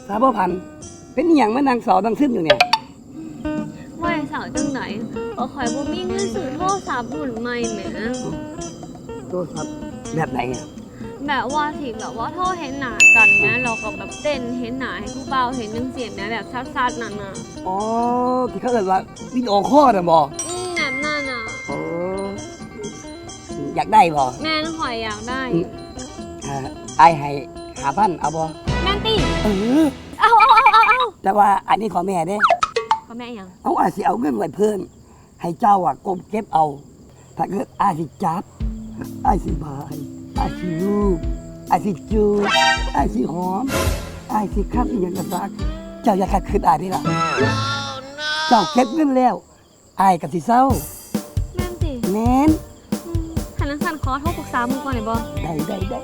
สาวพันธุ์เป็นอหย่างมานางสาวดังซึมอยู่เนี่ยว่าสาวจังไหนก็ข่อยบ่มีเงินซื้อโทรศัพท์รุ่นใหม่แหมโทรศัพท์แบบไหนอ่ะแบบว่าที่แบบว่าโทรเห็นหน้ากันนะเราก็แบบเต้นเห็นหน้าให้ผู้เบาเห็นจังเสียงนะแบบซัดๆนั่นน่ะอ๋อที่เขาเรียกว่าวิดีโอคอลน่ะบ่แบบนั่นน่ะโอ้อยากได้บ่แม่นข่อยอยากได้ไอ้ให้5,000เอาบ่แม่นติเอาแต่ว่าอันนี้ขอแม่เด้ขอแม่ยังเอาอาสิเอาเงินไว้เพิ่มให้เจ้าอ่ะกบเก็บเอาถ้าเกิดอาสิจับอาสิบายอาสิลูกอาสิจูอาสิหอมอาสิคับอีหยังกระซักเจ้าอย่าขัดขืนอาได้ล่ะเจ้าเก็บเงินแล้วอายกับสิเศร้าแม่นติแม่นหันสั่นขอโทรปรึกษามึงก่อนได้บ่ได้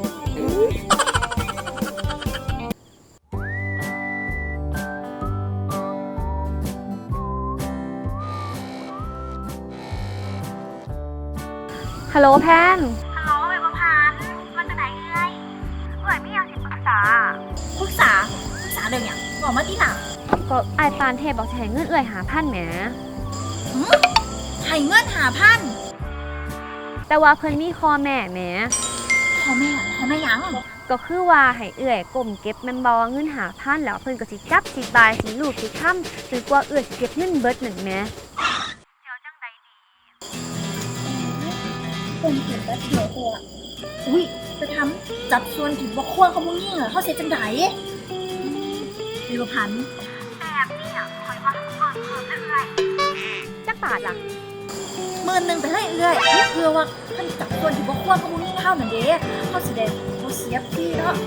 ฮัลโหลแพนฮัลโหลเอ๋ประพันธ์มาจากไหนเอ้ยไม่อยากสิปรึกษาเรื่องอย่างบอกมาที่หลังก็ไอ้ปานเทพบอกจะให้เงิน5,000แหมให้เงิน5,000 แต่ว่าเพิ่นมีข้อแม่แหมพ่อแม่ยังก็คือว่าให้ก้มเก็บแม่นบ่เงิน5,000แล้วเพิ่นก็สิจับสิบายสิลูกสิค้ำจนกว่าสิเก็บเงินเบิดนั่นแหมเดี๋ยวจังใดดีคนเห็นแล้วเดี๋ยวตัวอุ้ยจะทำจับส่วนถึงบ่ควรเขามุ่งยิ่งเหรอเขาเสียจังใดเอ๋ประพันธ์แบบนี้คอยว่าเพิ่มเรื่อยจักบาทล่ะ 10,000ไปเลยเอื้อยเพื่อว่าท่านจับส่วนถึงบ่ควรเขามุ่งยิ่งเท่านั่นเด้เขาสิได้บ่เสียพี่เนาะ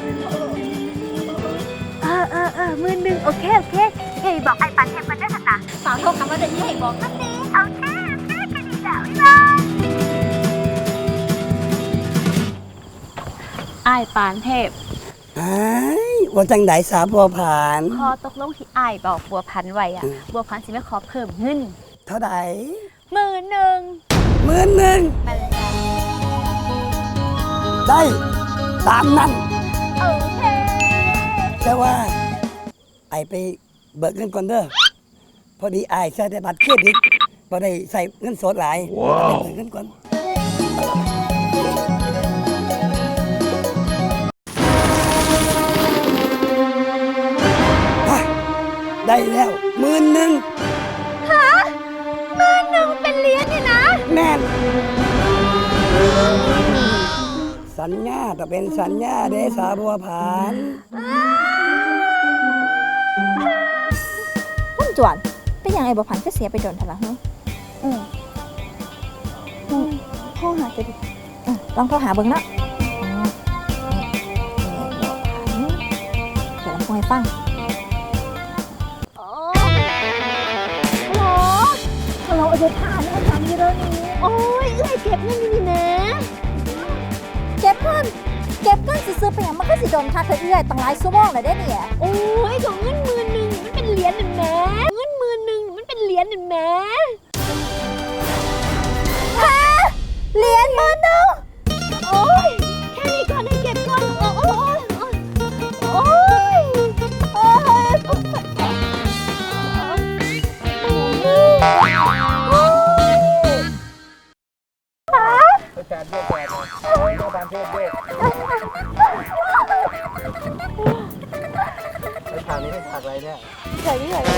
10,000โอเคเฮ้ยบอกไอ้ปานเทพมันได้ขนาดฝากโทรคำว่าเดี๋ยวนี้บอกกันเด้โอเคกันดีแล้วไอ้ปานเทพว่าจังไดสาวบัวผันพอตกลงที่ไอ้บอกบัวพันไว้บัวพันสิไม่ขอเพิ่มเงินเท่าไหร่ 10,000 ได้ตามนั้นโอเคแต่ว่าไอ้ไปเบิกเงินก่อนเด้อพอดีไอ้ใช้แต่บัตรเครดิตบ่ได้ใส่เงินสดหลายไปเบิกเงินก่อนได้แล้ว10,000 ฮะ10,000เป็นเหรียญนี่นะแม่นสัญญาต้องเป็นสัญญาเด้สาวบัวผันพุ่นจวนเป็นยังไงบัวผันก็เสียไปโดนทะละโทรหาจะดิลองโทรหาเบิ่งเนาะเดี๋ยวลองคุยให้ฟังเราเอาไปทานแล้วทำอยู่แล้วนี่โอ้ยเก็บเงินนี่นะเก็บเงินซื้อไปอย่างมันก็สิโดนค่าเธอตั้งหลายชั่วโมงเลยได้เนี่ยโอ้ยของเงิน10,000มันเป็นเหรียญนั่นแหมเงิน10,000มันเป็นเหรียญนั่นแหมฮะเหรียญ10,000โอ้ยแค่นี้ก่อนให้เก็บก่อนโอ้ยแฟนด้วยบางเทพด้วยฉากนี้เป็นฉากอะไรเนี่ยใหญ่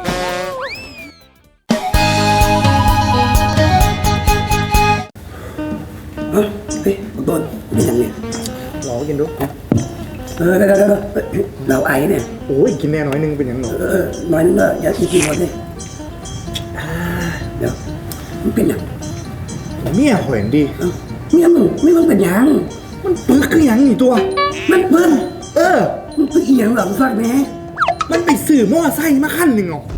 เฮ้ยต้นเป็นยังไงหลอกินดูได้เราไอ้เนี่ยโอ้ยกินแน่น้อยนึงเป็นยังหนอน้อยนึงก็อย่ากินหมดเลยเดี๋ยวมันเป็นยังเมียหอยดีเมียมึงไม่ต้องเป็นยังมันปึกคือยังนี่ตัวมันเบิ้ลมันปึกอีหยังหลังฟักแม่มันไปสื่อมอไซค์มาขั้นหนึ่งหรอ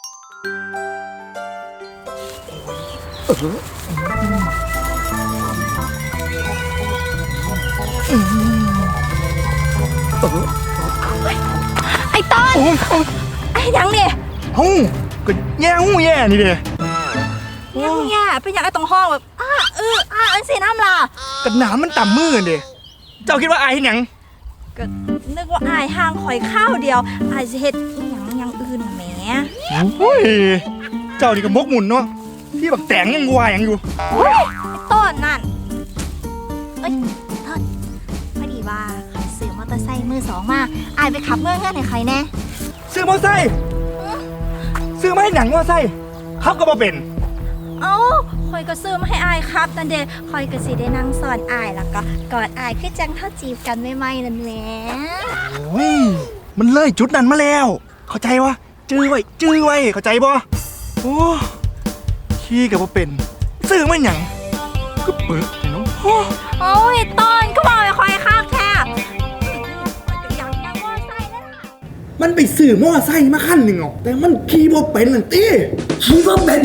ไอ้ต้นไอ้ยังเนี่ยฮู้ก็แย่นี่เด้เนี่ยเป็นอย่างไอ้ตรงห้องแบบอันสีน้ำล่ะกระหนามันต่ำมือเด้เจ้าคิดว่าไอ้เห็นยังก็นึกว่าอายห่างข่อยข้าวเดียวอายสิเฮ็ดอหยังอย่างอื่นน่ะแหมโอ้ยเจ้านี่ก็มกหมุนเนาะที่บักแตงยังวายยังอยู่ไอ้ต้นนั่นเอ้ยต้นพอดีว่าข่อยซื้อมอเตอร์ไซค์มือสองมาอายไปขับเมื่อเงื่อนให้ใครแน่ซื้อมอไซค์ซื้อมาให้หนังมอไซค์ขับก็บ่เป็นเอ้าข่อยก็ซื้อมาให้อายครับนั่นเด้ข่อยก็สิได้นั่งสอนอายแล้วก็กอดอายคือจังเท่าจีบกันใหม่ๆนั่นแหละโอ้ยมันเลยจุดนั้นมาแล้ว เข้าใจวะจื้อไว้เข้าใจบ่โอ้ขี้กับบ่เป็นซื้อมาหยังก็เปิดเนาะโอ้โอ้ยต้นก็บอกไปข่อยข้างแท้อยากนั่งมอเตอร์ไซค์นั่นน่ะมันไปซื้อมอไซค์มาคันหนึ่งแต่มันขี่บ่เป็นนั่นติคิดว่าเป็น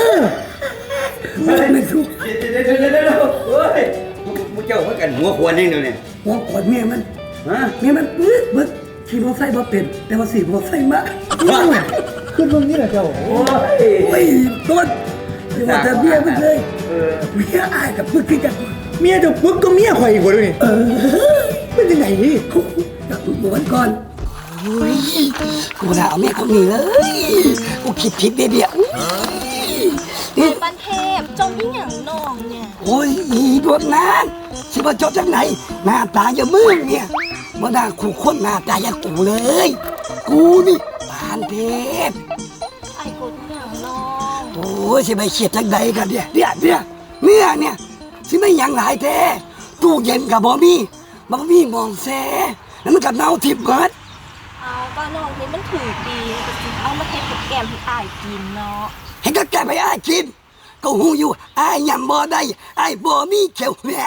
ไม่ถูกเดี๋ยวเฮ้ยมึงเจ้าเพื่อกันหัวควรนี่เนี่ยหัวขวดเมียมันฮะเมียมันปึ๊ดขี่มอไซค์มาเป็น แต่ว่าสี่มอไซค์มาขึ้นตรงนี้แหละเจ้าโอ้ยโอ้ยต้นเดี๋ยวว่าแต่เมียมันเลยเมียอายกับปึ๊ดขึ้นกันเมียเจ้าปึ๊กก็เมียข่อยอีกว่าด้วยนี่เป็นยังไงนี่กับทุกวันก่อนโอ้ยกูน่าเอาเมียคนนี้เลยกูคิดผิดเดียวบันเทพจมยิ่งอย่างน้องเนี่ยโอ้ยอีดวงนางสิว่าจบจากไหนหน้าตาอย่ามึงเนี่ยมาด่าขู่คนหน้าตาอย่างกูเลย กูนี่ปานเทพไอ้กดอย่างน้องโอ้ยสิไปเขียดจากใดกันเนี่ยสิไม่หยังหลายแท้ตู้เย็นกับบ่มีมองแซ่แล้วมันกับเน่าทิพย์เกิดเอาก็น้องนี่มันถือดีก็สิเอามาเทกับแกมให้อายกินเนาะให้ก็แกไปอ้ายกินก็หูอยู่อ้ายยำบ่ได้อ้ายบ่มีเขียวแหน่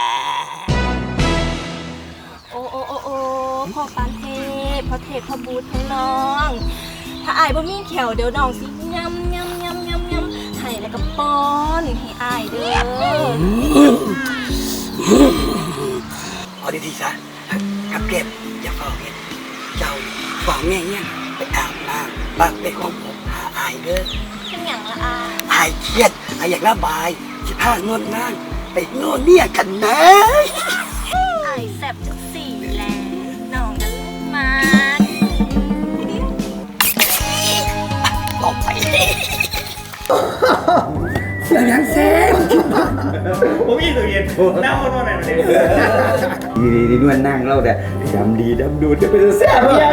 โอ้พ่อปานเทพพ่อเทพพ่อบูทั้งน้อง ถ้าอายบ่มีแขวเดี๋ยวน้องสิยำให้แล้วก็ป้อนให้อายเด้อเอาดีๆซะกับเก็บอย่าเฝ้าเห็นเจ้าฝากแม่เนี่ยไปอาบน้ำบักไปของผมหาอายเด้อเป็นหยังละอายอายเครียดอายอยากระบายสิพานวดนางไปโน่นเนี่ยกันนะอายแซ่บจังสี่แลน้องกันมาต่อไปเสียงยังแซ่บผมยี่ตัวเย็นเน่าโน่นนั่นเลยดีนวลนั่งเล่าแต่ดำดีดำดูจะเป็นแซ่บยัง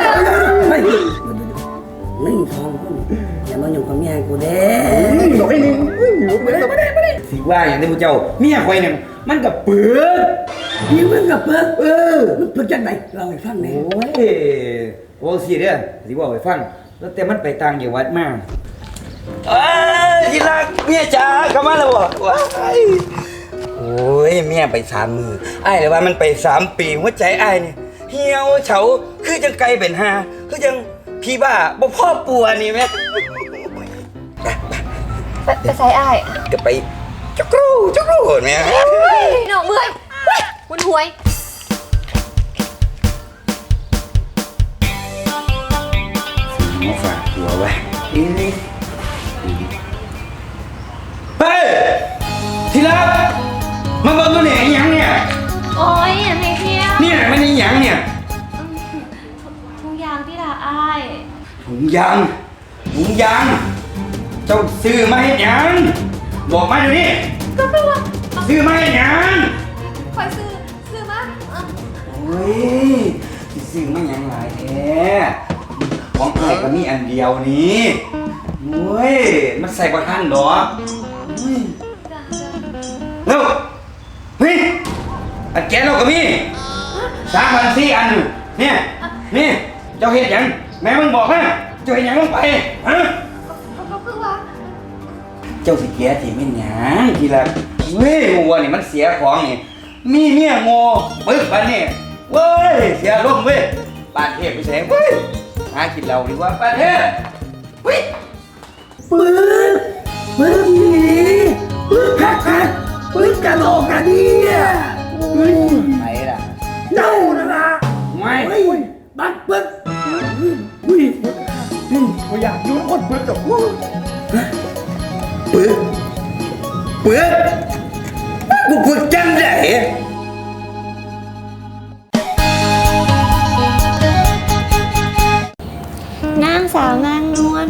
ไม่ทองกูอย่ามาอยู่กับเมียกูเด้หน่อยนึงไม่ได้สิว่าอย่างนี้พวกเจ้าเมียคอยเนี่ยมันกับเปื้อนพี่มึงกับเพิ่งมันเพิ่งจังไหนเราให้ฟังหน่อยโอ้ยโอ้สิเด้อสิว่าไปฟังแล้วแต่มันไปต่างจังหวัดมากที่รักเมียจ๋ากลับมาแล้วบ่ว้ายโอ้ยเมียไป3 มืออ้ายเลยว่ามันไป3 ปีหัวใจอ้ายนี่เหี่ยวเฉาคือจังไกลเป็นหาคือจังพี่บ้าบ่พ่อปัวนี่แม่ไปใส่อ้ายก็ไปจักรูแม่น้องเมื่อยคุณหวยมาฝากตัวไว้นี่เฮ้ยที่รักมาเบิ่งตัวเนี่ยไอ้หยังเนี่ยโอ้ยอย่าให้เที่ยวเนี่ยมันไอ้หยังเนี่ยทุกอย่างที่ละอ้ายถุงยางเจ้าซื้อมาให้หยังบอกมาเดี๋ยวนี้ก็คือว่าซื้อมาให้หยังคอยซื้อมาโอ้ยสิซื้อมาหยังหลายแท้ของใครก็มีอันเดียวนี้โอ้ยมันใส่บ่ทันดอกโอ้ยเร็วเฮ้ยอันแกเราก็มี3,400 อันเนี่ยนี่เจ้าเฮ็ดหยังแม่มึงบอกนะเจ้าเฮ็ดหยังลงไปฮะก็คือว่าเจ้าสิแกที่ไม่หยังทีละเว้ยงัวนี่มันเสียของนี่มีเมียโง่ปึ๊บปานนี่เว้ยเสียลมณ์เว้ยปานเทพไปแสงเว้ยหากินเราดีกว่าปานเทพเว้ยปืนนี่ปืนคักปืนกระโดดกันเนี่ยไหนล่ะเน่านะล่ะไม่บัดปึ๊กอุ้ยกูอยากยุ่งคนปึ๊กดอกปึ๊บกูจังได๋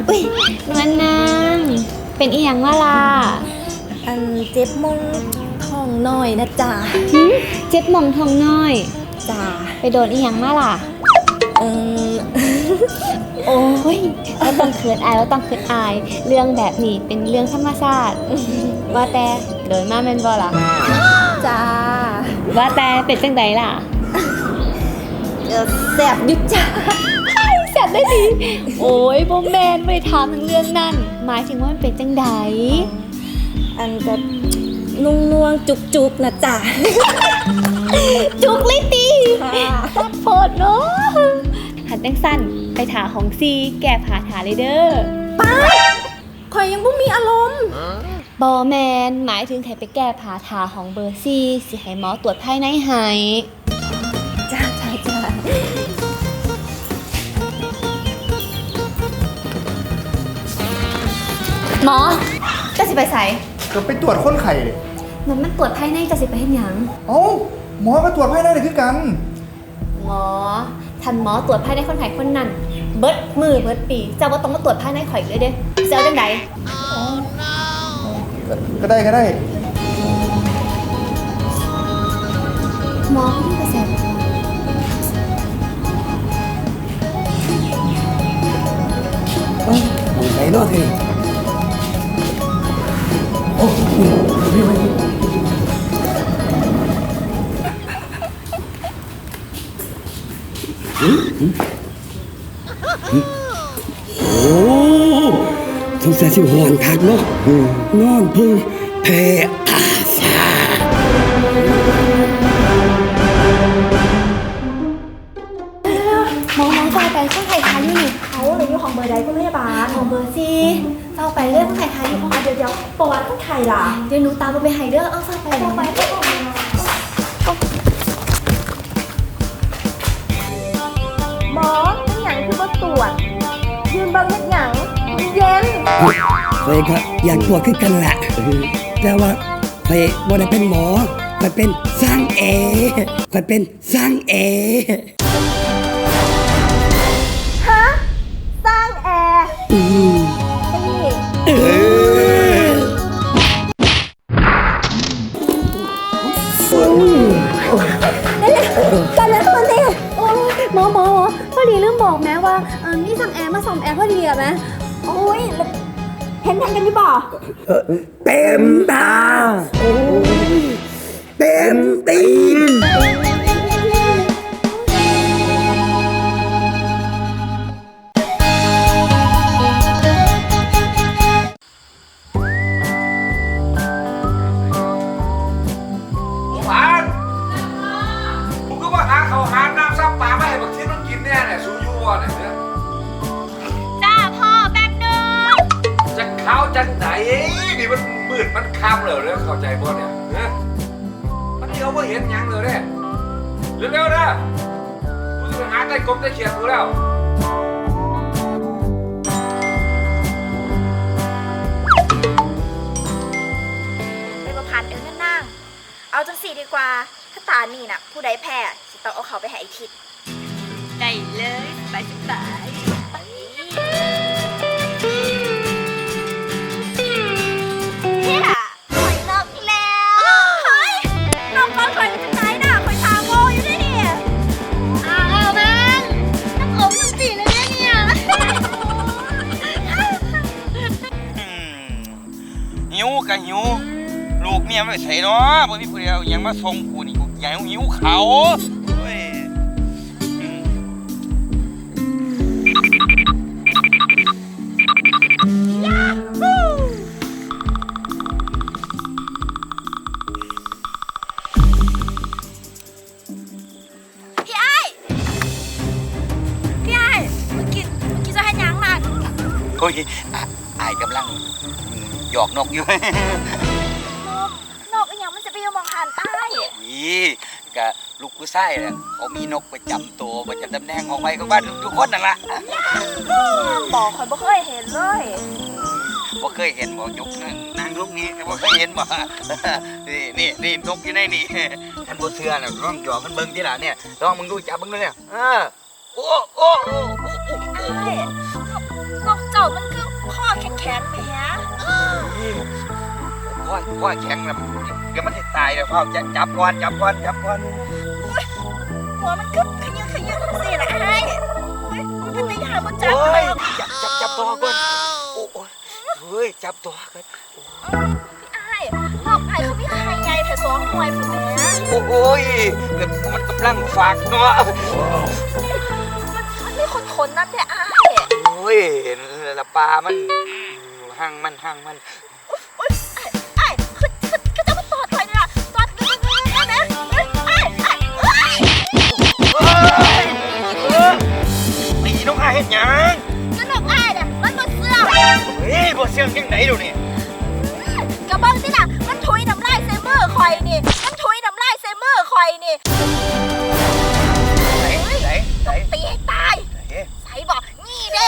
อุ้ยนวลนางเป็นอีหยังว่าล่ะอันเจ็บมองท้องน้อยนะจ๊ะเจ็บหมองทองน้อยจ้าไปโดนอีหยังมาล่ะเออโอ้ยว่าต้องเขินอายว่าต้องเขินอาย เรื่องแบบนี้เป็นเรื่องธรรมชาติ ว่าแต่โดนมาแม่นบ่ล่ะจ้าว่าแต่เป็นจังใดล่ะแสบอยุจ้าแซ่บได้ดี โอ้ยบ่แม่นไม่ได้ถามทั้งเรื่องนั้น หมายถึงว่ามันเป็นจังใดอันจะนุ่งนวงจุกๆนะจ๊ะจุกเลยตีค่ะตัดโพดเนาะหันจังสั้นไปถาของซีแก่ผาถาเลยเด้อข่อยยังบ่มีอารมณ์บอแมนหมายถึงให้ไปแก้ผาถาของเบอร์ซี่สิให้หมอตรวจภายในให้จ้าจ้าจ้าหมอจะสิไปใส่ก็ไปตรวจคนไข้เลยมันตรวจภายในจะสิไปเห็นหยังเอ้าหมอก็ตรวจภายในเลยคือกันหมอทันหมอตรวจภายในคนไข้คนนั้น เบิดมือเบิดปีเจ้าว่าต้องมาตรวจภายในข่อยเลยเด้เจ้าจังไดก็ได้ก็ได้หมอที่กระแสมึงไปเนาะทีโอ้พี่ไว้โอ้สงสัยสิหอนคักเนาะนอนพึ่งแพ้อาสาหมอฝ่ายไปคนไข้ทาอยู่นี่เขาเลยอยู่ของเบอร์ใดคุณพยาบาลของเบอร์ซี่เฝ้าไปเรื่องคนไข้ทาอยู่ของเดี๋ยวประวัติคนไข้ล่ะเดี๋ยวหนูตามไปให้เด้อเอาเฝ้าไปต่อไปก็ต้องหมอเป็นหยังคือบ่ตรวจยืนเบิ่งเฮ็ดหยังเย็นเคยก็อยากตรวจขึ้นกันแหละ แต่ว่าเคยบ่ได้เป็นหมอเคยเป็นสร้างแอร์เคยเป็นสร้างแอร์ฮะ สร้างแอร์อืมนี่เออกันนะตัวนี้หมอพอดีลืมบอกแม่ว่านี่สั่งแอร์มาส่งแอร์พอดีอะแม่โอ้ยแล้วเห็นกันอยู่บ่เต็มตาโอ้ยเต็มตีนหวานมึงก็มาหาเขาวหาน้ำซับปลาไม่ให้บักเทียนมันกินแน่เนี่ยสู้ยูวะเนี่ยจ้าพ่อแป๊บนึงจะเข้าจังไหนนี่มันมืดมันค่ำเลยเนี่ยเข้าใจบ่เนี่ยเนี่ยมันเดียวว่าเห็นหยังเลยเนี่ยเร็วๆนะกูจะไปหาใต้กบใต้เขียดกูแล้วไปประพันธ์นั่นนั่งเอาจังสี่ดีกว่า ถ้าตานี่น่ะ ผู้ใดแพ้สิต้องเอาเขาไปให้ไอ้ทิศได้เลยสบายเฮียข่อยนกแล้วเฮ้ยนกก้อนข่อยเป็นจังไหนน่ะข่อยทาโง่อยู่ด้วยเนี่ยอ้าวแม่น้ำผมทั้งสี่เลยเนี่ยหิวก็หิวลูกเมียไม่ใส่เนาะบ่มีผู้เดียวยังมาส่งกูนี่กูอยากหิวเขาเว้ยอืมพี่ไอ้เมื่อกี้จะให้ยังน่ะโอ้ยอายกำลังหยอกนกอยู่นกอีหยังมันจะไปอยู่มองหันใต้นี่กะลูกผู้ชายน่ะเขามีนกประจำตัวประจำตำแหน่งของไปของบ้านทุกคนนั่นล่ะบอกข่อยบ่เคยเห็นเลยบ่เคยเห็นบ่ยกนางลูกนี้บ่เคยเห็นบ่ นี่นกอยู่ในนี่ท่านบ่เชื่อน่ะลองหยอกมันเบิ่งทีล่ะเนี่ยลองมึงดูจับมึงดูเนี่ยโอ้นกเจ้ามันคือข็งแหมว่าแข็งแล้วเดี๋ยวมันจะตายเดี๋ยวพ่อจะจับก่อนหัวมันกึ๊บขยันทั้งสี่ละไอ้มันเป็นยาบนจับโอ้เลย ยจับตัวก่อนโอ้ยเฮ้ยจับตัวก่อนพี่ไอ้นอกไอ้เขาไม่ใครใหญ่แต่สองหน่วยผมแหมโอ้ยมันกำลังฝากเนาะมันมีคนนั่นแต่ไอ้โอ้ยละปลามันห่างมันไอ้คือจะมาตอดถอยเนี่ยตอดได้ไหมไอ้ตีน้องอาเห็นยังนั่นนอกไอ้เนี่ยมันมาเสื้อเฮ้ยบ่เสียงยังไหนดูนี่กระเบื้องสิน่ะมันถุยน้ำลายเซเมอร์คอยนี่มันถุยน้ำลายเซเมอร์คอยนี่ไหนตีให้ตายใส่บอกนี่เด้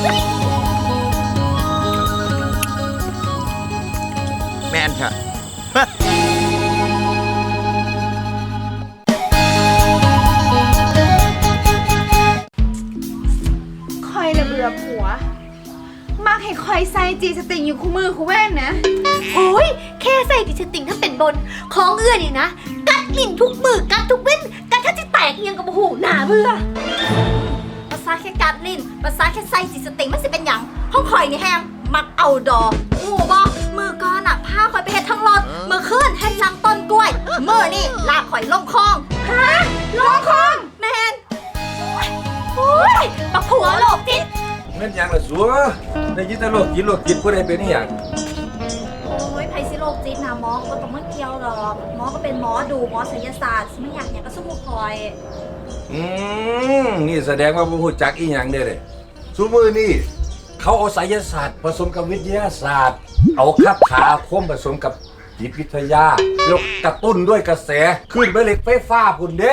แม่นค่ะคอยระเบื่อผัว มักให้คอยใส่จีสติงอยู่คู่มือคู่แว่นนะโอ้ยแค่ใส่ดิสติงถ้าเป็นบนของเอื้อนี่นะกัดลิ้นทุกมือกัดทุกเว้นกัดถ้าจะแตกเอียงกับโอ้โหหนาเบื่อภาษาแค่การลิ้นภาษาแค่ใส่จิตสติมันสิเป็นหยังห้องคอยนี่แห้งมักเอาดอกงูบอมือก้อนอะผ้าคอยไปเฮ็ดทั้งรถมือขึ้นเฮ็ดลังต้นกล้วยมือนี่ลากคอยลงคลองฮะลงคลองแมนโอ้ยปักผัวโลกจิตแม่นหยังล่ะสัวได้ยินแต่โรคจิตผู้ใดเป็นอีหยังโอ้ยไพซิโลกจิตนะหมอก็ต้องมาเกี่ยวหรอกหมอก็เป็นหมอดูหมอศิลศาสตร์ไม่อยากก็สู้คอยนี่แสดงว่าบ่ฮู้จักอีหยังเด้เด้ซุมื้อนี้เขาเอาไสยศาสตร์ผสมกับวิทยาศาสตร์ เอาคาถาอาคมผสมกับจิตวิทยาแล้วกระตุ้นด้วยกระแสขึ้นไปเหล็กไฟฟ้าพุ่นเด้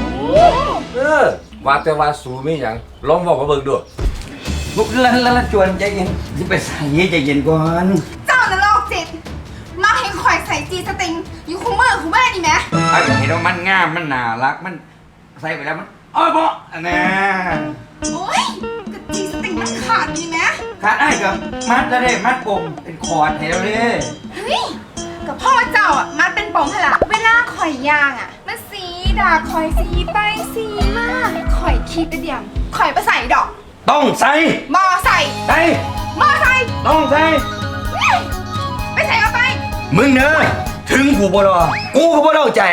ว่าแต่ว่าสูมีหยังลองเว้ามาเบิ่งดูลุกละจวนใจเย็นสิไปใส่ใจเย็นก่อนเจ้าน่ะโรคจิต มักให้คอยใส่จีสติงอยู่คู่มือคู่แว่นนี่แหมไอ้เห็นว่ามันงามมันน่ารักมันใส่ไปแล้วมันอ้อยบ่อันน่ะโอ้ยกระจีสติงมันขาดนี่แหมขาดไอ้กับมัดแล้วเด้มัดปมเป็นคอร์ดให้เราเด้เฮ้ยกับพ่อเจ้าอ่ะมันเป็นปมพละเวลาคอยย่างอ่ะมันสีด่าคอยสีไปสีมาคอยคิดแต่เดียวคอยไปใส่ดอกต้องใส่มอใส่ใส่มอใส่ต้องใส่ไปใส่เอาไปมึงเนอะถึงกูบ่รอกูก็บ่เล่าใจ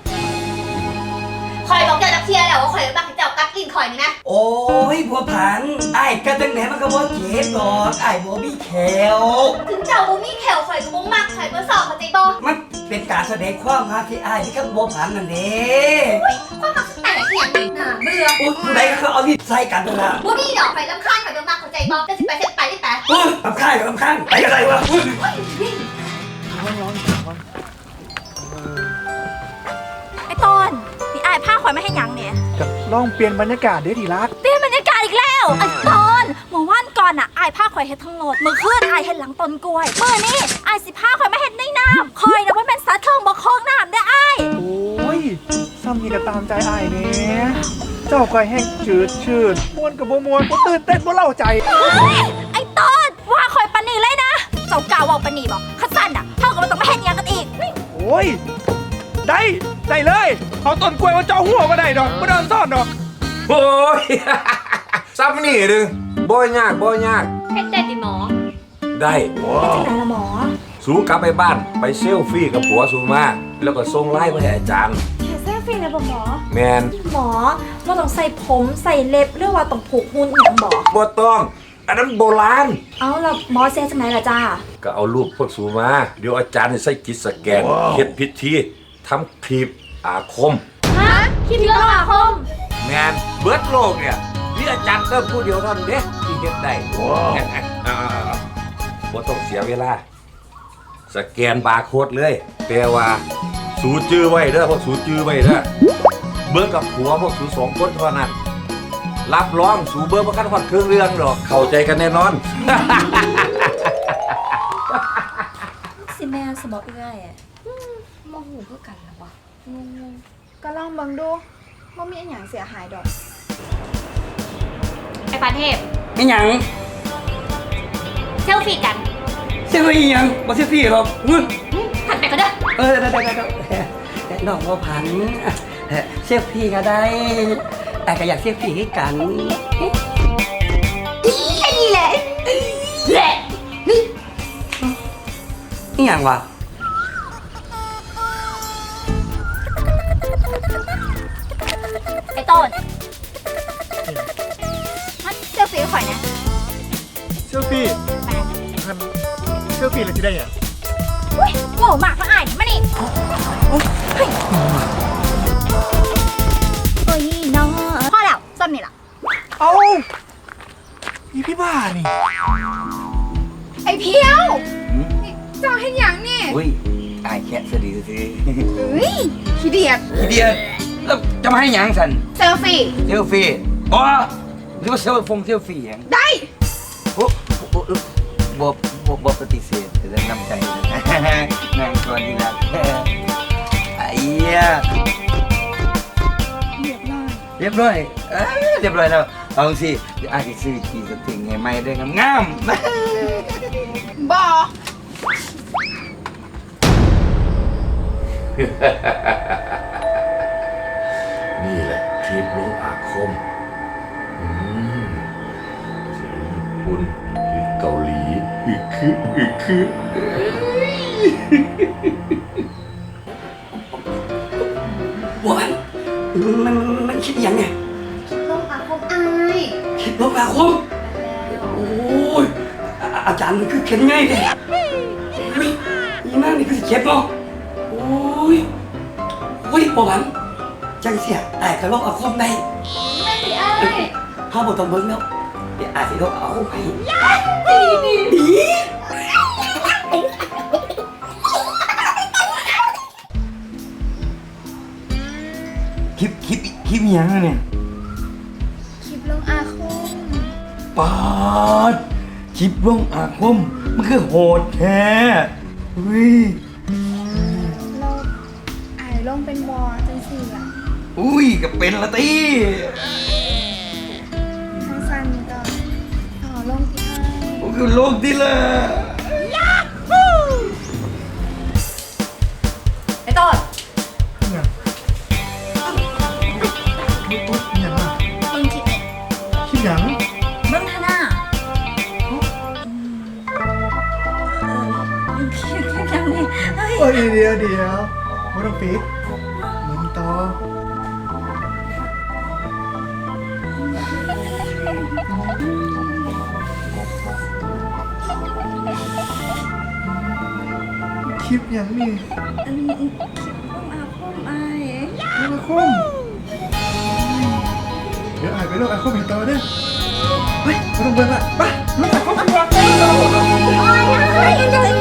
คอยบอกเจ้าจักเทียแล้วว่าคอยบักให้เจ้ากัดลิ้นคอยนี่นะโอ้ยผัวผันไอ้กันตั้งไหนมันก็บ่เจ็บดอกไอ้บ่มีแขวถึงเจ้าบ่มีแขวคอยก็บ่มักคอยบ่สอบเข้าใจบ่มันเป็นการแสดงความรักที่ไอ้ที่กับผัวผันนั่นเองความมักแตกเอียงนี่น่าเบื่อโอ้ยผู้ใดเขาเอาที่ใส่กันตรงนั้นบ่มีดอกคอยรำคาญคอยบ่มักเข้าใจบ่จะสิไปเฮ็ดไปได้แต่โอ้ยลำข้างลำข้างไปกันเลยวะไอ้ต้นนี่อายผ้าคอยไม่ให้ยังเนี่ยกับลองเปลี่ยนบรรยากาศเด้ทีรักเปลี่ยนบรรยากาศอีกแล้วไอ้ต้นเมื่อวันก่อนอ่ะอายผ้าคอยเฮ็ดทั้งรถมือขึ้นอายเฮ็ดหลังต้นกล้วยมือนี่อายสิผ้าคอยไม่เฮ็ดในน้ำคอยนะว่าแม่นซัดเครื่องบ่คล้องน้ำได้อายโอ้ยซ้ำนี่ก็ตามใจอ้ายเนี่ยเจ้าคอยแห้งจืดชืดม่วนกับบ่ม่วนบ่ตื่นเต้นบ่เล่าใจไอ้ต้นว่าคอยปานนีเลยนะเจ้ากล่าวว่าปานนีบอกข้าสั้นอ่ะเท่ากับมันต้องมาเฮ็ดหยังกันอีกโอ้ยได้เลยเอาต้นกล้วยมาเจาะหัวก็ได้ดอกบ่โดนซ่อนดอกโอ้ย ซ้ำนี่เด้อบ่ยากเฮ็ดได้ดิหมอได้แต่ละหมอสูกลับไปบ้านไปเซลฟี่กับผัวสูมาแล้วก็ส่งไลน์มาให้อาจารย์แค่เซลฟี่นะบ่หมอแมนหมอเราต้องใส่ผมใส่เล็บหรือว่าต้องผูกหุ่นอหย่างบอกบ่ต้องอันนั้นโบราณเอาแล้วหมอเสียจากไหนล่ะจ้าก็เอารูปพวกสูมา เดี๋ยวอาจารย์ให้ใส่จิตสแกนเฮ็ดพิธีทำคลิปอาคมฮะคิดเยอะอาคมแมนเบิร์ดโลกเนี่ยมีอาจารย์เติมผู้เดียวเท่านั้นเด้ที่เฮ็ดได้บ่ต้องเสียเวลา สแกนบาร์โค้ดเลยแต่ว่าสูจื้อไว้เด้อพวกสูจื้อไว้เด้อเบิ่งกับผัวพวกสูสองคนเท่านั้น รับรองสูเบิ่งบ่คันฮอดเครื่องเรื่องดอกเข้าใจกันแน่นอนสิแม่สมองเอื้อยอะมองหูเพื่อกันหรอวะก็ลองเบิ่งดูว่ามีอันหยังเสียหายดอกไอ้ปานเทพไม่หยังเซลฟี่กันเซลฟี่ยังบ่เซลฟี่หรอกเงินถัดไปก็ได้ได้น้องบ่ผันเซลฟี่ก็ได้แต่ก็อยากเซลฟี่ให้กันแค่นี้แหละนี่อย่างวะไอ้ต้นมันเสื้อสีข่อยนะเซลฟี่ท่านเซลฟี่อะไรที่ได้ยังอุ้ยโง่มากมาอ่านมานี่เฮ้ยโอ้ยน้องพ่อแล้วซ้ำนี่ล่ะเอ้าพี่บ้านี่ไอ้เพียวนี่เจ้าให้หยังนี่อุ้ยอายแค่สะดีสิเฮ้ยขี้เดียดทีเดียวแล้วจะมาให้หยังสันเซลฟี่เซลฟี่อ๋อหรือว่าเซลฟี่หยังได้โอ้บ่ปฏิเสธแต่น้ำใจนะนางตัวนี้นะไอ้เหี้ยเรียบร้อยเรียบร้อยแล้วเอาสิเดี๋ยวอาจจะซื้อขี่สติงไงไม่ได้งามบอนี่แหละคลิปลงอาคมที่ญี่ปุ่นที่เกาหลีอีกคือบัวผันมันคิดอย่างไงลงอาคมอายคิดลบอาคมโอ้ยอาจารย์มันคือเข็นง่ายเลยเฮ้ยอีนั่นนี่คือเจ็บเนาะโอ้ยบัวผันจังเสียแต่ก็ลบอาคมได้ไม่สิอายเขาบอกต้องเบิ้งแล้วเดี๋ยวอาจจะลบอาคมให้ดีคลิปหยังเนี่ยคลิปลงอาคมปาดคลิปลงอาคมมันคือโหดแท้เฮ้ยเราอายลงเป็นบอจังสี่ล่ะอุ้ยก็เป็นละตีทางซันก็ลงที่อายมันคือโลกที่ละไอ้ต้นอย่างอ่ะมึงคิดเนี่ยคิดอย่างมึงท่าน่ะมึงคิดยังไงเฮ้ยโอ้ยเดี๋ยวไม่ต้องปิดมึงต่อคลิปอย่างนี่อาคมอายลูกอาคมเดี๋ยวอ่านไปลูกอาคมอีกต่อเด้อเฮ้ยไม่ต้องเบิ่งละไปลูกอาคมโอ้ย